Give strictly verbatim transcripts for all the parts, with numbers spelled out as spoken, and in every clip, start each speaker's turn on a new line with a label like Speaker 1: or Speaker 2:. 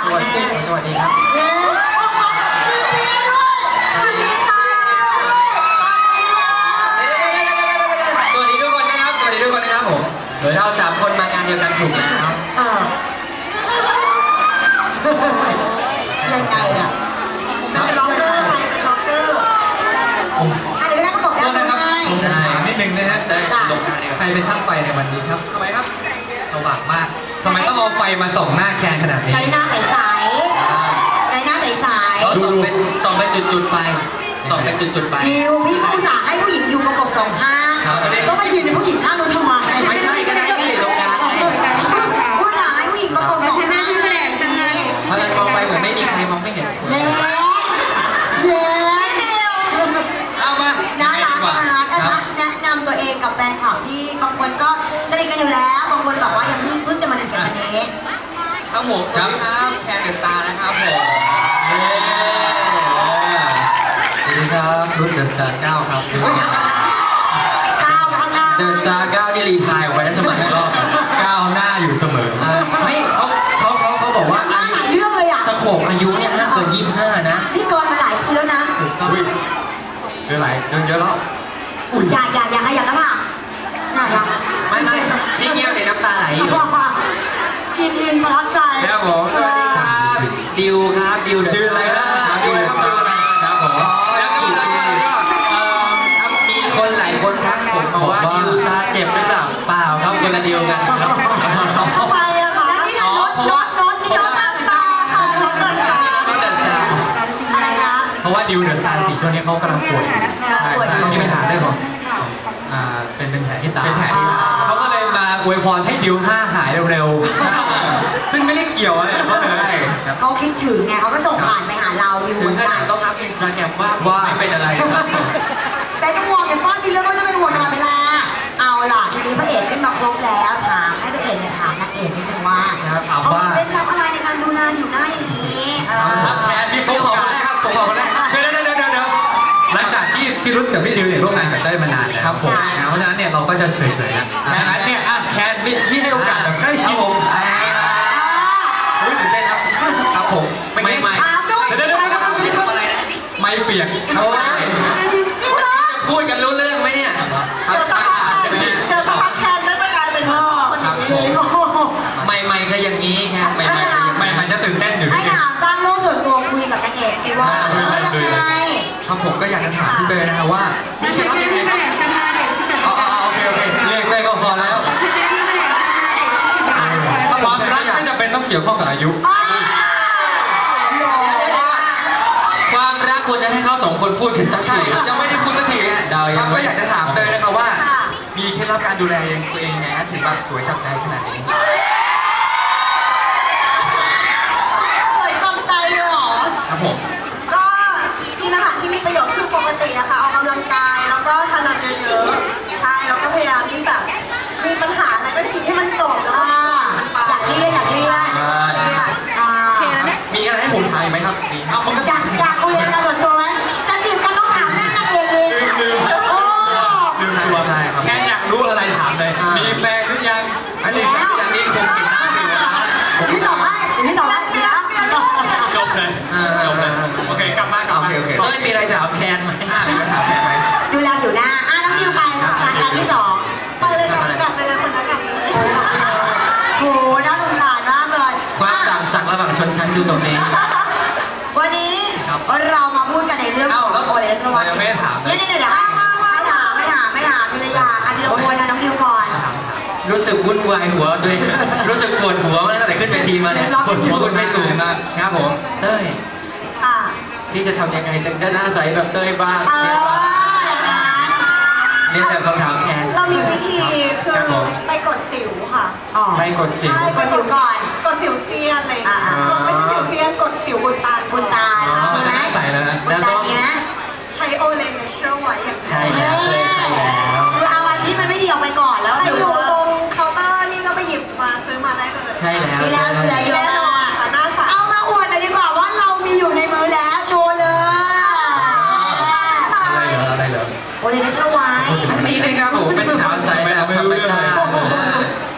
Speaker 1: สวัสดีสวัสดีครับ
Speaker 2: สวัสดีค่ะ
Speaker 1: สวัสดีทุกคนนะครับสวัสดีทุกคนนะครับผมโดยเราสามคนมางานเดียวกันถูกแล้ว
Speaker 2: เออยังไงอ่ะเป็นร็อกเกอร์ไหมเป็นร็อกเกอร์อันนี้ไม่ได้ประกบได้ไหม
Speaker 1: ได้นิดนึงนะฮะได้ลงการ
Speaker 3: ใครเป็นช่างไฟในวันนี้ครับทำไมครับสว่างมากทำไมต้องเอาไฟมาส่องหน้าแคนขนาดนี้
Speaker 2: ใจหน้าใสๆใจหน้าใสๆ
Speaker 1: เขาส่องเป็นส่องเป็นจุดๆไปส่องเป็นจุดๆไป
Speaker 2: ดิวพี่ก็อุตส่าห์ให้ผู้หญิงอยู่ประกบสองข้างก็มายืนในผู้หญิงข้างนู้นทำไม
Speaker 1: ไม่ใช่ก็ได้ที่ตรงกลาง
Speaker 2: ผู้ชายผู้หญิงประกบสองข้างแหละดี
Speaker 1: เพราะฉะนั้นมองไปเหมือนไม่มีใครมองไม่เห็น
Speaker 2: เละเละ
Speaker 1: เอามา
Speaker 2: น่ารักนะคะแนะนำตัวเองกับแฟนคลับที่บางคนก็สนิทกันอยู่แล้วบางคนแบบว่ายังเพิ่งจะมาสนิทกันวันนี้
Speaker 3: ครับผมสวัสดีครับแคนเดอะสตาร์นะครับผมสวัสดีครับรุ่นเดอะสตาร์เก้าครับ
Speaker 2: เก้าข้างหน้า
Speaker 1: เดอะสตาร์เก้าที่รีไทร์ไว้ได้สมัยรอบ
Speaker 3: เก้าหน้าอยู่เสมอ
Speaker 1: ไม่เขาเขาเขาเขาบอกว่า
Speaker 2: หลายเรื่องเลยอ่ะ
Speaker 1: สโคปอายุเนี่ยห้ามเกินยี่สิบห้านะ
Speaker 2: นี่เกินมาหลายปีแล้วนะ
Speaker 3: เยอะหลายเยอะแล้ว
Speaker 2: อย่าอย่าอย่าขยับนะพ่ะอย่าอย่า
Speaker 1: ไม่ไม่ที่เงียบในน้ำตาไหลอยู่
Speaker 2: อินอินประทับใจ
Speaker 1: ครับผมสวัสดีครับดิวครับดิว
Speaker 3: ดิวอะไรครับ
Speaker 1: ดิวครับผมแล้วก็มีคนหลายคนทักผมบอกว่าดิวตาเจ็บหรือเปล่าเปล่าครับคนละดิวกันครับ
Speaker 2: ทำไมอะคะนี่ไงรถรถรถนี่รถเดินตาค่ะรถเดินตาร
Speaker 1: ถเดินตา
Speaker 2: อะไรคะ
Speaker 3: เพราะว่าดิวเดอะสตาร์สี่ช่วงนี้เขากำลังป่วยใช่ใช่มีปัญหาเรื่องของอ่าเป็นเป็นแผลที่ตาเป็นแผลที่ตาเขาก็เลยมาอวยพรให้ดิวห้าหายเร็วๆซึ่งไม่ได้เกี่ยวอะไรเขาเลย
Speaker 2: เขาคิดถึงไงเขาก็ส่งผ่านไปหาเราอยู่
Speaker 1: ถึงขนาดต้องอัพอินสตาแกรมว่าว่าไม่เป็นอะไรครับ
Speaker 2: แต่ต้องห่วงอย่างป้อนกินแล้วก็จะเป็นห่วงตลอดเวลาเอาล่ะทีนี้พระเอกขึ้นมาครบแล้วถามให้พระเอกเนี่ยถามนางเอกนิดนึงว่าเขาเป็นรับอะไรในการดูแลอยู่หน้าอย่างนี้
Speaker 3: แคนนี่ผมขอคนแรกครับผมขอคนแรกเดี๋ยวเดี๋ยวเดี๋ยวเดี๋ยวหลังจากที่พี่รุ่นกับพี่ดิวเนี่ยร่วมงานกับเต้ยมานานแล้วครับผมเพราะฉะนั้นเนี่ยเราก็จะเฉยๆแล้วดังนั้นเนี่ยแคนพี่ให้โอกาสแบบใกล้ชิดผมอุ้ยตื่นเต้นครับครับผม
Speaker 1: ไม่ไม่ไม่
Speaker 3: เดี๋ยวเดี๋ยวเดี๋ยวนี่ทำอะไรนะไม่เปียก
Speaker 1: เขาพูดกันรู้เรื่องไหมเนี่ย
Speaker 2: เดี๋ยวสักพักแคนเดี๋ยวสักพักแคนก็จะกลายเป็นพ่อ
Speaker 3: ครับผม
Speaker 1: ใหม่ๆจะอย่างนี้แค่ใหม่ๆจะ
Speaker 3: ใหม่ๆจะตื่นเต้นอยู่
Speaker 2: ให้ถามสร้างโลกส่วนตัวคุยกับนางเอกสิว่ายังไง
Speaker 3: ครับผมก็อยากจะถามพี่เตยนะครับว่ามีเคล็ดลับยังไงครับอ๋อโอเคโอเคเรียกได้ก็พอแล้วความรักไม่จำเป็นต้องเกี่ยวข้องกับอายุ
Speaker 1: ความรักควรจะให้เขาสองคนพูดถึงสักที
Speaker 3: ยังไม่ได้พูดสักทีอ่ะครับก็อยากจะถามเตยนะครับว่ามีเคล็ดลับการดูแลตัวเองยังไงถึงแบบสวยจับใจขนาดนี้
Speaker 2: สวยจับใจเลยเหรอ
Speaker 3: ครับผม
Speaker 2: ก็กินอาหารที่มีประโยชน์คือปกติอะค่ะออกกำลังกายแล้วก็ทานน้ำเยอะๆใช่แล้วก็พยายามที่แบบมีปัญหาอะไรก็คิดให้มันจบแล้วก็อยากเครียดอยากเครียด
Speaker 3: มีอะไรให้ผมทายไหมครับมีเอาผมก็
Speaker 2: อยากอยากคุยกันส่วนตัวไหมจะจีบกันต้องถามแม่นางเอกเอง
Speaker 3: ลืมลืมตัวใช่ครับแค่อยากรู้อะไรถามเลยมีแฟนหรือยังอันนี้ยังมีคงติดน้ำอยู่นะ
Speaker 2: พี่ตอบให้พี่ตอบให้เดี๋ยวเดี๋ยว
Speaker 3: จบเลยจบเลยโอเคกลับมากลับมา
Speaker 1: ก็ไม่มีอะไรถามแคนไหม
Speaker 3: มีอะไรถามแคนไหม
Speaker 2: ดูแลผิวหน้าอ่ะน้องดิวไปค่ะรายการที่สองไปเลยกลับไปเลยคนนั้นกลับไปเลยโหน่าสงสารมากเลย
Speaker 1: ความต่างศักดิ์ระหว่างชนชั้นดูตรงนี้
Speaker 2: วันนี้เรามาพูดกันในเรื่องของโอเลสโนวา
Speaker 3: ยังไม่ถาม
Speaker 2: เลยเนี่ยเดี๋ยวไม่ถามไม่ถามไม่ถามไม่ถามพี่เลยอยากอาทิตย์ละคนนะน้องดิวก่อน
Speaker 1: รู้สึกวุ่นวายหัวตัวเองรู้สึกปวดหัวตั้งแต่ขึ้นเวทีมาเนี่ยปวดหัวคุณไม่ถูกนะครับผมเต้ยที่จะทำยังไงถึงได้หน้าใสแบบเต้ยบ้างนี่แต่คำถามแทน
Speaker 2: เรามีวิธีคือไปกดสิวค่ะ
Speaker 1: ไปกดสิว
Speaker 2: กดสิวก่อนกดสิวเซียนอะไรไม่ใช่สิวเซียนกดสิวบุญตาบุญตา
Speaker 3: มันจะใสแล้วนะ
Speaker 1: แล้วก็
Speaker 2: ใช้โอเลนเชื่อไว้อย่าง
Speaker 1: ใช่แล้วใช่แล้ว
Speaker 2: คือเอาวันที่มันไม่ดีออกไปก่อนแล้วอยู่ตรงเคาน์เตอร์นี่ก็ไปหยิบมาซื้อมาได้เลย
Speaker 1: ใช่แล้ว
Speaker 2: ซื้อแล้วซื้อแล้วแน่นอนหน้าใสเอามาอวดหน่อยดีกว่าว่าเรามีอยู่ในมือแล้วโชว์เลย
Speaker 3: อะไรเหรออะไรเหรอ
Speaker 2: โอเลนเชื่อไว้
Speaker 1: อันนี้นะครับผมเป็นขาวใสแบบธรรมชาติอันนี้เป็น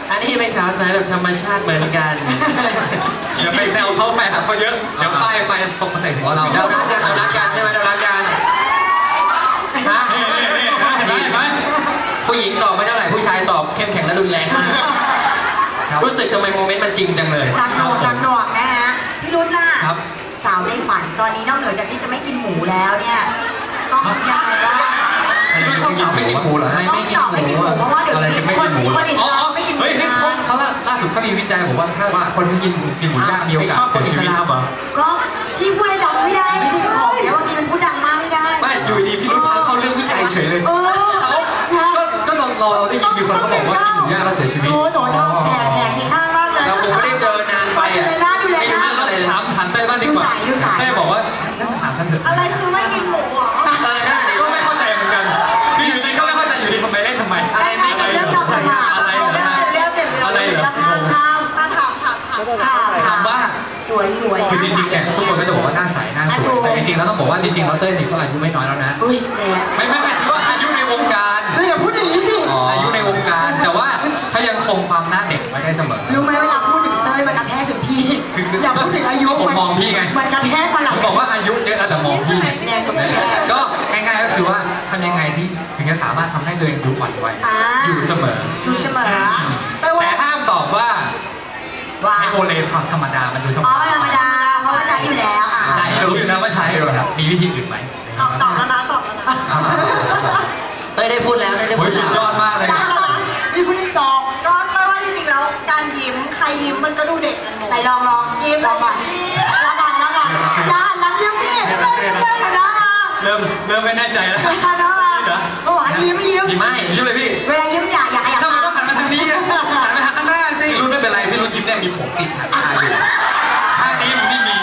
Speaker 1: ขาวใสแบบธรรมชาติเหมือนกัน
Speaker 3: อย่าไปแซวเขาแฟนคลับเขาเยอะเดี๋ยวป้ายไปตกมาใส่หัวเรา
Speaker 1: เรารักกันเรารักกันใช่ไหมเรารักกันฮะ
Speaker 3: เห็นไหมเห็นไหม
Speaker 1: ผู้หญิงตอบไม่เท่าไหร่ผู้ชายตอบเข้มแข็งและรุนแรงมากรู้สึกทำไมโมเมนต์มันจริงจังเลย
Speaker 2: ตังหนวกตังหนวกนะฮะพี่รุ่นล่ะ
Speaker 3: ครับ
Speaker 2: สาวในฝันตอนนี้นอกเหนือจากที่จะไม่กินหมูแล้วเนี่ยต้องยังไงบ้าง
Speaker 3: พี่รุ่นชอบสาวไม่กินหมูเหรอฮะ
Speaker 1: ไม่กินหมู
Speaker 2: ไม่กินหมูเพราะว่าเดี๋ยว
Speaker 3: อะไร
Speaker 2: นี้
Speaker 3: เป็นไม่
Speaker 2: ค
Speaker 3: กิ
Speaker 2: น
Speaker 3: นหมู
Speaker 2: คนอิส
Speaker 3: อ๋อ
Speaker 2: ลามไม่กินหมู
Speaker 3: เฮ้ย
Speaker 2: นะ
Speaker 3: เขาเขาล่าสุดเขามีวิจัยบอกว่าถ้าคนที่กินกินหมูย่างมีโอกาสเสียชีวิตเหรอ
Speaker 2: ก็พี่พูดดังไม่ได้ไม่ใช่ของเดี๋ยวบางทีมันพูดดังมากไม่ได้
Speaker 3: ไม่อยู่ดีพี่รุ่นพาเขาเรื่องวิจัยเฉยเลย
Speaker 2: เออ
Speaker 3: ก็ก็เราเราได้ยินมีคนเขาบอกว่ากินหมูย่างแล้วเสียชีวิต
Speaker 2: โถโถโถแผลแผลที่ข้างมากเลย
Speaker 1: เราคงไม่ได้เจอนานไปอ่ะ
Speaker 2: ดูแลหน้าดูแล
Speaker 1: ไม่
Speaker 2: ห
Speaker 1: รู้
Speaker 2: น้า
Speaker 1: เรื่องอะไรเลย
Speaker 3: ถามถามเต้ยบ้างดีกว่า
Speaker 2: ดูสายดูสาย
Speaker 3: เต้ยบอกว่านั่งถามท่านเถอะ
Speaker 2: อะไรคือไม่กินหมูเหรอ
Speaker 1: เออนั่นแหละดิ
Speaker 3: ก็ไม่เข้าใจเหมือนกัน คืออยู่ดีก็ไม่เข้าใจอยู่ดีทำไมเล่นทำไม
Speaker 1: อะไรไม่กิน
Speaker 2: เรื่องเราประมาท
Speaker 3: อะไรเหรอ
Speaker 2: เรื่องเรื่องเรื่อง
Speaker 3: อะไรเหรอ
Speaker 2: ถามถามถามถามถามถาม
Speaker 3: ถามว่า
Speaker 2: สวยสวย
Speaker 3: คือจริงๆเนี่ยทุกคนก็จะบอกว่าหน้าใสหน้าสวยแต่จริงๆแล้วต้องบอกว่าจริงๆแล้วเต้ยนี่ก็อายุไม่น้อยแล้วนะ
Speaker 2: อุ้ยแหละ
Speaker 3: ไม่ไม่ไม่ถือว่าอายุในวงการ
Speaker 2: เฮ้ยอย่าพูดอย่างนี้ดิ
Speaker 3: อายุในวงการ แต่ว่าเขายังคงความหน้าเด็กไว้ได้เสมอ
Speaker 2: รู้ไหมเวลาพูดถึงเต้ยมันกระแทกถึงพี่
Speaker 3: คือคือ
Speaker 2: อย่าพูดถึงอายุ
Speaker 3: ผมมองพี่ไง
Speaker 2: มันกระแทกมาหลัง
Speaker 3: ผมบอกว่าอายุเยอะแล้วแต่มองพี่
Speaker 2: แรงกับแรง
Speaker 3: ก็ง่ายๆก็คือว่าทำยังไงที่ถึงจะสามารถทำให้ตัวเองดูอ่อนวัย
Speaker 2: อ่า
Speaker 3: อยู่เสมอ
Speaker 2: ดูเสมอแปลว่า
Speaker 3: แต่ห้ามตอบว่า
Speaker 2: ว่า
Speaker 3: ไอโอเลนธรรมดามันดูเสม
Speaker 2: อ๋อ
Speaker 3: อ
Speaker 2: ธรรมดาเพราะว่าใช้อยู่แล้วอ่ะ
Speaker 3: ใช่รู้อยู่นะว่าใช้ครับมีวิธีอื่นไหม
Speaker 2: ตอบตอบแล้วนะตอบแล้วนะ
Speaker 1: เต้ยได้พูดแล้วเต้ยได้
Speaker 3: โอ้
Speaker 1: พู
Speaker 3: ย
Speaker 1: ด
Speaker 3: สุดยอดมากเลย
Speaker 2: มีคุณตอบก็แปลว่าจริงๆแล้วการยิ้มใครยิ้มมันก็ดูเด็กกันหมดไหนลองลองยิ้มลองก่อนลองก่อนลองก่อนอย่าหันหลังยิ้มดิเริ่มเริ่มหันหน้ามา
Speaker 3: เริ่มเริ่มไม่แน่ใจแล้ว
Speaker 2: หันหน้ามาโอ้หันยิ้มไม่ยิ้ม
Speaker 3: ยิ้มไม่ยิ้มเลยพี่
Speaker 2: เวลายิ้มอย่าอย่าขยับ
Speaker 3: ทำไมต้องหันมาทางนี้อะหันมาทางข้างหน้าสิพี่รุ่นไม่เป็นไรพี่รุ่นยิ้มเนี่ยมีผมติดหางตาอยู่ข้างนี้มันไม่มี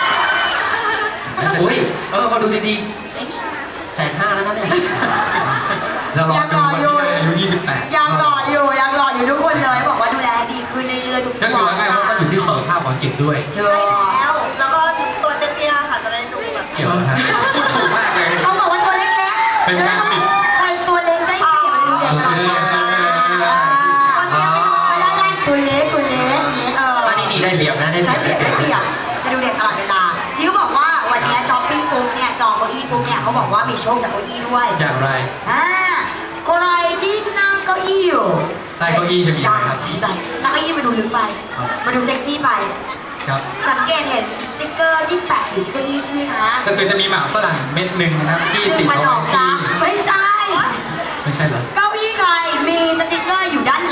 Speaker 1: อุ้ยเออพอดูดีๆเอ๊ะแสนห้าแล้วนะเนี่ย
Speaker 3: จะรอจนวันที่อายุยี่สิบแปด
Speaker 2: ยังหล่ออยู่ยังหล่ออยู่ทุกคนเลยบอกว่าดูแลดีขึ้นเรื่อยๆทุก
Speaker 3: ก็คือว่าง่ายๆว่าต้องอยู่ที่สุขภาพของจิตด้วย
Speaker 2: เจอแล้ว แล้วก็ตัวเตี้ยๆค่ะจะได้ดูแบบ
Speaker 3: เกี่ยวนะพูดถูกมากเลย
Speaker 2: เขาบอกว่าตัวเล็กๆ
Speaker 3: เป็นการติด
Speaker 2: คนตัวเล็กได้เปรียบเลยดูเด็กกว่าตัวเล็กตัวเล็กนี้เออ
Speaker 1: อันนี้นี่ได้เปรียบนะได้เป
Speaker 2: ได้
Speaker 1: รียบ
Speaker 2: เปรียบได้เปรียบจะดูเด็กตลอดเวลาที่เขาบอกว่าวันนี้ช้อปปิ้งปุ๊บเนี่ยจองเก้าอี้ปุ๊บเนี่ยเขาบอกว่ามีโชคจากเก้าอี้ด้วย
Speaker 3: อย่างไร
Speaker 2: อ่าใครที่นั่งเก้าอี้อยู่
Speaker 3: ใต้เก้าอี้จะมีอะไรครับ
Speaker 2: สีไปนั่งเก้าอี้มาดูลึกไปมาดูเซ็กซี่ไป
Speaker 3: ครับ
Speaker 2: สังเกตเห็นสติ๊กเกอร์ที่แปะอยู่ที่เก้าอี้ใช่ไหมคะ
Speaker 3: ก็คือจะมีหมากฝรั่งเม็ดหนึ่งนะครับที่ติด
Speaker 2: มัน
Speaker 3: เอา
Speaker 2: ออก
Speaker 3: ไว้
Speaker 2: ซ้
Speaker 3: ที่
Speaker 2: ไม่ใช่
Speaker 3: ไม่ใช่เหรอ
Speaker 2: เก้าอี้ใครมีสติ๊กเกอร์อยู่ด้านห